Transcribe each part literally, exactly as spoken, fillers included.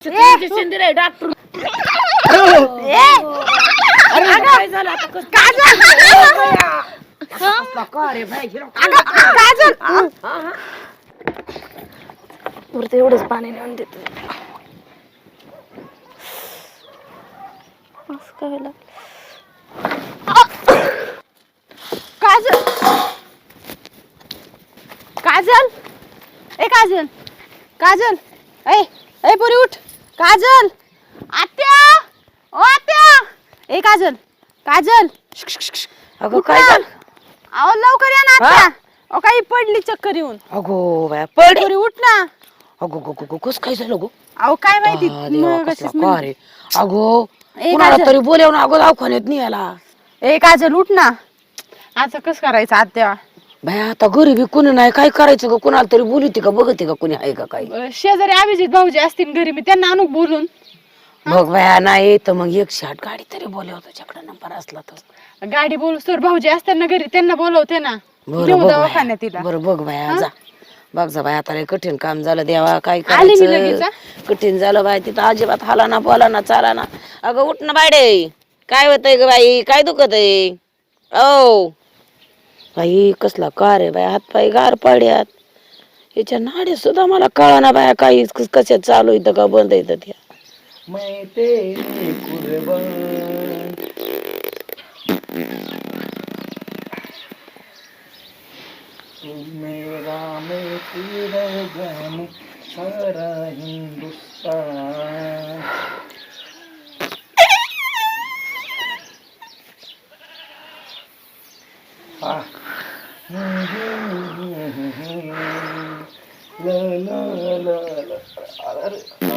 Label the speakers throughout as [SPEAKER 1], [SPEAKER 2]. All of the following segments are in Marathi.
[SPEAKER 1] इंजेक्शन दिलंय डॉक्टर. काय झालं आता? कसं का रे भाई?
[SPEAKER 2] वरती एवढंच पाणी नेऊन देत
[SPEAKER 3] काजल काजल ए काजल काजल ए ए पोरी उठ. काजल आत्या ओ आत्या ए काजल काजल
[SPEAKER 1] अगं काय झालं?
[SPEAKER 3] अहो लवकर या ना आत्या. अहो काही पडली चक्कर येऊन.
[SPEAKER 1] अगो बाया पड.
[SPEAKER 3] पोरी उठ ना.
[SPEAKER 1] अगो गो गो कस काय झालं गो?
[SPEAKER 3] अहो काय माहिती
[SPEAKER 1] आ, देवा,
[SPEAKER 3] मग
[SPEAKER 1] कसला
[SPEAKER 3] अशीच म्हण-
[SPEAKER 1] का रे? अगो
[SPEAKER 3] ए
[SPEAKER 1] कुणाला
[SPEAKER 3] काजल
[SPEAKER 1] तरी बोलवून अगो दवाखान्यात नाही आला.
[SPEAKER 3] ए काजल उठ ना. आता कस करायचं आत्या?
[SPEAKER 1] बाया आता घरी बी कुणी नाही, काय करायचं ग? कुणाला तरी बोलवते का, बघते का कुणी आहे का काही?
[SPEAKER 3] अं, शेजारी अभिजित भाऊजी असतील घरी, मी त्यांना आणू बोलून.
[SPEAKER 1] बघ बाया नाही तर मग एकशे आठ गाडी तरी बोलव, तुझ्याकडे नंबर असला तर.
[SPEAKER 3] गाडी बोलू तर भाऊजी असतात ना घरी, त्यांना बोलवते ना.
[SPEAKER 1] बरं
[SPEAKER 3] घेऊ
[SPEAKER 1] बघ
[SPEAKER 3] दवाखान्यात
[SPEAKER 1] बाया.
[SPEAKER 3] तिला.
[SPEAKER 1] बरं बघ बाया जा. बघ जा बाया, आता लय कठीण काम झालं देवा, काय
[SPEAKER 3] आली मी लगेच,
[SPEAKER 1] करायचं?
[SPEAKER 3] हा?
[SPEAKER 1] कठीण झालं बाय, तिथं अजिबात हाला ना बोला ना चाला ना. अगं उठ ना बायडे, काय होतंय ग बाई? काय दुखत आहे? ओ बाई कसला कार आहे बाय, हात पाय गार पड्यात. याच्या नाडी सुद्धा मला कळा ना बाया, काही कशा चालू इथं का बंद येतं त्या.
[SPEAKER 4] मैं तेरी कुर्बान. तू मेरा मैं तेरा जाने सारा हिंदुस्तान. हा. ला ला ला ला. अरे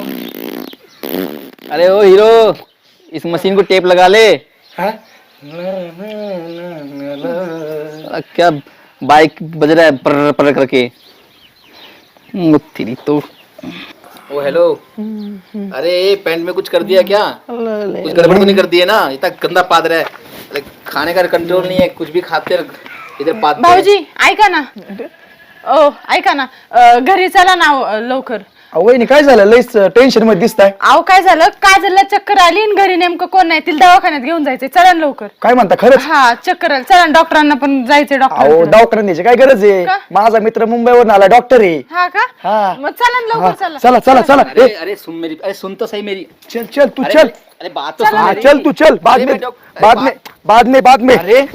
[SPEAKER 5] अरे ओ हीरो, इस मशीन को टेप लगा ले.
[SPEAKER 4] हाँ? ला ला ला ला ला.
[SPEAKER 5] साला क्या बाइक बज रहा है पर पर करके. वो तेरी तो. ओ हेलो. अरे पैंट में कुछ कर दिया क्या? कुछ गड़बड़ तो नहीं कर दी है ना? इतना गंदा पाद रहा है. अरे खाने का कंट्रोल नहीं है, कुछ भी खाते रह- इधर पाद.
[SPEAKER 3] भाऊजी ऐका ना. ओ ऐका ना, अं, घरी चला ना अं, लवकर.
[SPEAKER 4] वहिनी काय झालं? लईच टेन्शन मध्ये दिसताय.
[SPEAKER 3] अहो काय झालं, काजलला चक्कर आली आणि घरी नेमकं कोण नाही, तिला दवाखान्यात घेऊन जायचंय. चला ना लवकर.
[SPEAKER 4] काय म्हणता खरंच?
[SPEAKER 3] हा चक्कर आली, चला ना, डॉक्टरांना पण जायचंय.
[SPEAKER 4] अहो
[SPEAKER 3] डॉक्टर
[SPEAKER 4] दवाखान्यात न्यायची काय गरज आहे?
[SPEAKER 3] का?
[SPEAKER 4] माझा मित्र मुंबईवरून आला, डॉक्टर आहे.
[SPEAKER 3] हा का?
[SPEAKER 4] हा.
[SPEAKER 3] मग चला ना
[SPEAKER 4] हा,
[SPEAKER 3] लवकर. चला
[SPEAKER 4] चला चला चला.
[SPEAKER 5] अरे
[SPEAKER 4] ए,
[SPEAKER 5] अरे सुन मेरी, अरे सुन तो सही मेरी.
[SPEAKER 4] चल चल तू
[SPEAKER 5] अरे
[SPEAKER 4] चल.
[SPEAKER 5] अरे बात तो सुन
[SPEAKER 4] हाँ
[SPEAKER 5] मेरी.
[SPEAKER 4] चल तू चल. बाद
[SPEAKER 5] अरे
[SPEAKER 4] में
[SPEAKER 5] मैं डॉक-
[SPEAKER 4] बाद
[SPEAKER 5] अरे
[SPEAKER 4] में बाद में बाद में.
[SPEAKER 5] अरे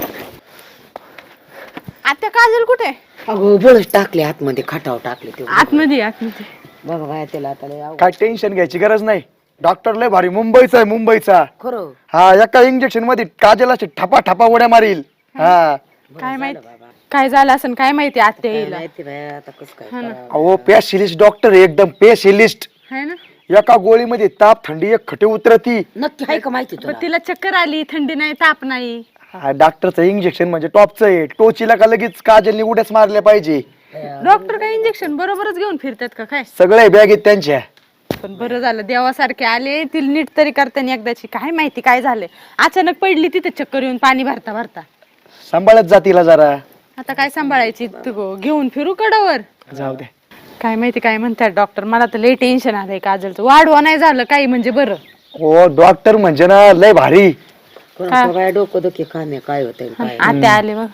[SPEAKER 3] आता काजल कुठे?
[SPEAKER 1] अगो बळच टाकले आतमध्ये, खाटावर टाकले ते.
[SPEAKER 3] आतमध्ये आतमध्ये.
[SPEAKER 1] बघ बाया त्याला आता लय अवघड.
[SPEAKER 4] काय टेन्शन घ्यायची गरज नाही. डॉक्टर लय भारी, मुंबईचा आहे मुंबईचा.
[SPEAKER 1] खरं
[SPEAKER 4] हा एका इंजेक्शन मध्ये काजल अशी ठपा ठपा उड्या मारील. हा
[SPEAKER 3] काय माहिती काय झालं असं, काय माहिती आत्या
[SPEAKER 1] काय
[SPEAKER 3] येईल.
[SPEAKER 1] माहिती बाया आता कसं काय करावं.
[SPEAKER 4] अहो पेशिलिस्ट डॉक्टर आहे, एकदम पेशिलिस्ट.
[SPEAKER 3] है ना?
[SPEAKER 4] एका गोळीमध्ये ताप थंडी एक खटे उतरती.
[SPEAKER 1] नक्की आहे का माहिती तुला?
[SPEAKER 3] पण तिला चक्कर आली, थंडी नाही, ताप नाही.
[SPEAKER 4] हा डॉक्टरचं इंजेक्शन म्हणजे टॉपचं आहे. टोचीला का लगेच काजलनी उड्याच मारल्या पाहिजे.
[SPEAKER 3] डॉक्टर काय इंजेक्शन बरोबरच घेऊन फिरतात का काय?
[SPEAKER 4] सगळे बॅग आहेत त्यांच्या.
[SPEAKER 3] पण बरं झालं, देवासारखे आले, तिला नीट तरी करताना एकदाची. काय माहिती काय झालंय, अचानक पडली तिथे चक्कर येऊन पाणी भरता भरता.
[SPEAKER 4] सांभाळत जातीला जरा.
[SPEAKER 3] आता काय सांभाळायची, तू घेऊन फिरू कडावर.
[SPEAKER 4] जाऊ दे.
[SPEAKER 3] काय माहिती काय म्हणतात डॉक्टर. मला तर लय टेन्शन आलंय काजलचं. वाढवा नाही झालं काही म्हणजे बरं.
[SPEAKER 4] हो डॉक्टर म्हणजे ना लय भारी.
[SPEAKER 1] कोणाचं बाया डोकं दुखी काम आहे, काय होतंय काय.
[SPEAKER 3] आत्या आले बघ.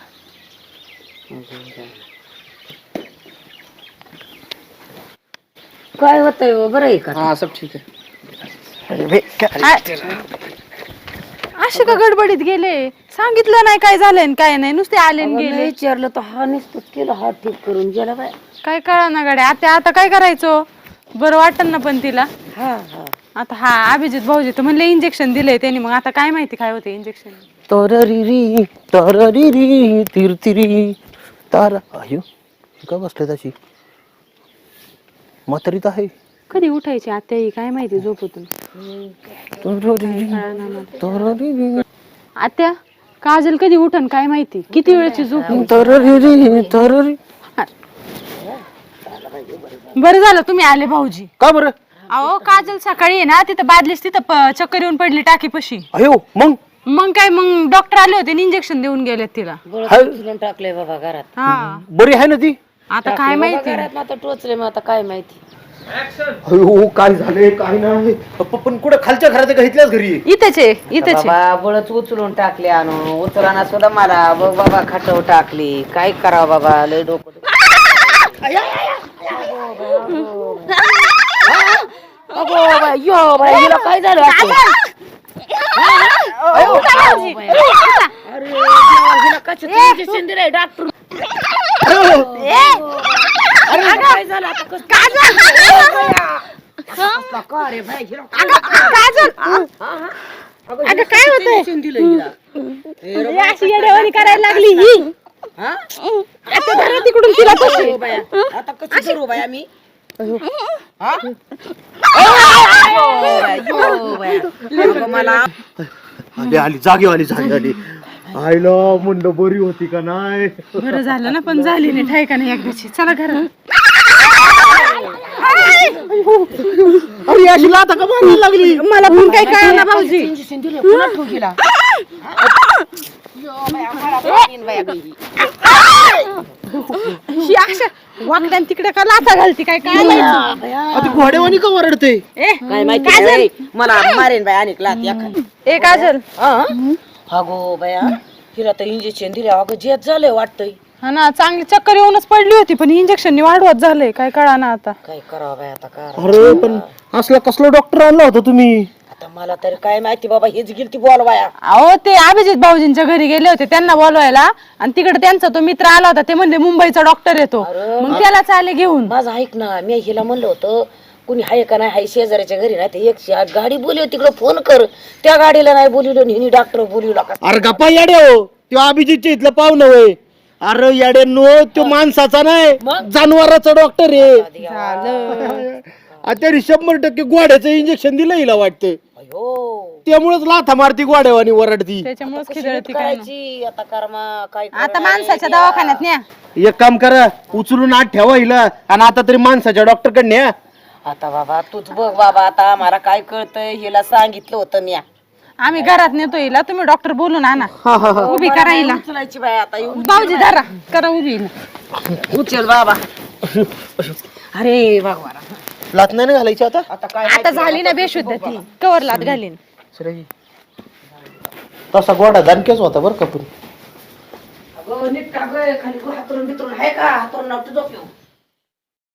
[SPEAKER 1] काय होतंय हो, बरं आहे का?
[SPEAKER 5] हाँ सब ठीक है.
[SPEAKER 4] अरे बे, काय-
[SPEAKER 3] असे का गडबडीत गेले? सांगितलं नाही काय झालंय आणि काय नाही, नुसते आले आणि
[SPEAKER 1] अगं,
[SPEAKER 3] गेले.
[SPEAKER 1] लय विचारलं तर हा नुसतं केलं, हा ठीक करून गेला बाय.
[SPEAKER 3] काय कळा ना गाड्या. आता आता काय करायचो? बरं वाटन ना पण तिला.
[SPEAKER 1] हा हा
[SPEAKER 3] आता हा अभिजित भाऊजी तर म्हणले इंजेक्शन दिलंय त्यांनी. मग आता काय माहिती काय होते इंजेक्शन.
[SPEAKER 6] तररिरी तररिरी तिरतिरी तारा. अयो का बसले त्याची म्हातारी तर आहे.
[SPEAKER 3] कधी उठायची आत्या ही काय माहिती झोपतून.
[SPEAKER 6] तररिरी तररिरी
[SPEAKER 3] आत्या काजल कधी उठन काय माहिती, किती वेळची झोप.
[SPEAKER 6] तररिरी तररी.
[SPEAKER 3] बरं झालं तुम्ही आले भाऊजी.
[SPEAKER 6] का बरं?
[SPEAKER 3] अहो काजल सकाळी आहे ना तिथं बादलीस तिथं प- चक्कर येऊन पडली टाकी पशी.
[SPEAKER 6] अयो मग
[SPEAKER 3] मग काय, मग डॉक्टर आले होते इंजेक्शन देऊन गेलेत तिला.
[SPEAKER 1] उचलून टाकलंय बाबा घरात.
[SPEAKER 3] हा
[SPEAKER 6] बरी आहे ना ती?
[SPEAKER 3] आता काय
[SPEAKER 1] टाकलंय बाबा
[SPEAKER 3] माहिती.
[SPEAKER 1] घरात, मग आता टोचले, मग आता काय माहिती.
[SPEAKER 6] अयो काय झालंय काय नाही प- पण कुठं खालच्या घरात आहे का इथल्याच घरी आहे?
[SPEAKER 3] इथेच आहे इथेच आहे.
[SPEAKER 1] बाबा बळच उचलून टाकले आणून उचलाना सुद्धा मला बघ बाबा खाटव टाकली काय करावं बाबा लय डोकं दुखतं. अगो बाई, यो बाई, हिला काय झालं असं? अयो, बाई. अरे देवा, हिला कशाचं injection दिलंय डॉक्टर? अरे काय झालं आता कसं? कसला का रे बाई, हिला काय झालं?
[SPEAKER 3] अगं काय होतंय?
[SPEAKER 1] injection दिलंय हिला.
[SPEAKER 3] हे अशी येडेवाणी करायला लागली ही.
[SPEAKER 1] हा?
[SPEAKER 3] आता धरा तिकडून तिला तशी.
[SPEAKER 1] अयो बाया, आता कसं करू बाया मी हा? अयो बाया, अगं मला
[SPEAKER 6] आली आली जागी आली जागी आली आईला मुंड बरी होती का नाही
[SPEAKER 3] बरं झालं ना पण झाली नाही ठाय का नाही एकदाची. चला घरात.
[SPEAKER 6] अरे अशी लाथा का मारायला लागली
[SPEAKER 3] मला पण काय कळलं ना भाऊजी.
[SPEAKER 1] इंजेक्शन दिलं पुन्हा ठेवू गेला. अयो बाया, मला पाणीन बाया बाई.
[SPEAKER 3] ही अशा वाकड्यान तिकडे का लाथा घालती काय काय माहिती?
[SPEAKER 6] आता घोड्यावानी का ओरडते
[SPEAKER 3] ए
[SPEAKER 1] काय माहिती नाही, मला मारेन बाय आणि लात एखादी.
[SPEAKER 3] ए काजल.
[SPEAKER 1] अगो बाया हिला तर इंजेक्शन दिले अगं जेत झालंय वाटतंय.
[SPEAKER 3] हा ना चांगली चक्कर येऊनच पडली होती पण इंजेक्शन वाढवत झालंय काय कळा ना आता.
[SPEAKER 1] काय करावं बाय आता काय
[SPEAKER 6] अरे पण असला कसला डॉक्टर आणला होता तुम्ही
[SPEAKER 1] आता मला तरी काय माहिती बाबा हेच गेलती बोलवाया.
[SPEAKER 3] अहो ते अभिजित भाऊजींच्या घरी गेले होते त्यांना बोलवायला आणि तिकडे त्यांचा तो मित्र आला होता ते म्हणले मुंबईचा डॉक्टर येतो मग त्याला चाले घेऊन.
[SPEAKER 1] माझं ऐक ना मी हिला म्हणलं होतं कुणी हाय का नाही हाय शेजाऱ्याच्या घरी नाही ते एकशे आठ गाडी बोलव तिकडे फोन कर त्या गाडीला नाही बोलवलं हिनी डॉक्टर बोलवला का.
[SPEAKER 6] अरे गप्पा याडे हो तो अभिजितच्या इथलं पाहुणं वय अरे याडे नो तो माणसाचा नाही जनावराचा डॉक्टर आहे आता शंभर टक्के गोड्याचं इंजेक्शन दिलं हिला वाटतं
[SPEAKER 1] अयो
[SPEAKER 6] त्यामुळेच लाथा मारती गोड्यावानी ओरडती
[SPEAKER 3] त्याच्यामुळेच
[SPEAKER 1] कशी
[SPEAKER 3] खिदळती काय नाही.
[SPEAKER 1] करायची आता कर्मा काय
[SPEAKER 3] आता माणसाच्या दवाखान्यात न्या.
[SPEAKER 6] एक काम करा उचलून आत ठेवा हिला आणि आता तरी माणसाच्या डॉक्टर कडे न्या
[SPEAKER 1] आता बाबा तूच बघ बाबा आता आम्हाला काय कळतंय हिला सांगितलं होतं मी
[SPEAKER 3] आम्ही घरात नेतो हिला तुम्ही डॉक्टर बोलून आणा. उभी करा हिला.
[SPEAKER 1] उचलायची बाय आता येऊ
[SPEAKER 3] भाऊजी धरा करा उभी हिला.
[SPEAKER 1] उचल बाबा. अरे भगवान
[SPEAKER 6] लात नाही ना घालायची आता
[SPEAKER 1] आता काय
[SPEAKER 3] आता झाली ना बेशुद्ध ती कवर लात घालीन.
[SPEAKER 6] तसा गोडा दणकेच होता बरं का पण
[SPEAKER 1] अगं नीट का गं खाली हातरून बितरून आहे का हातरून नव्हतं झोप येऊ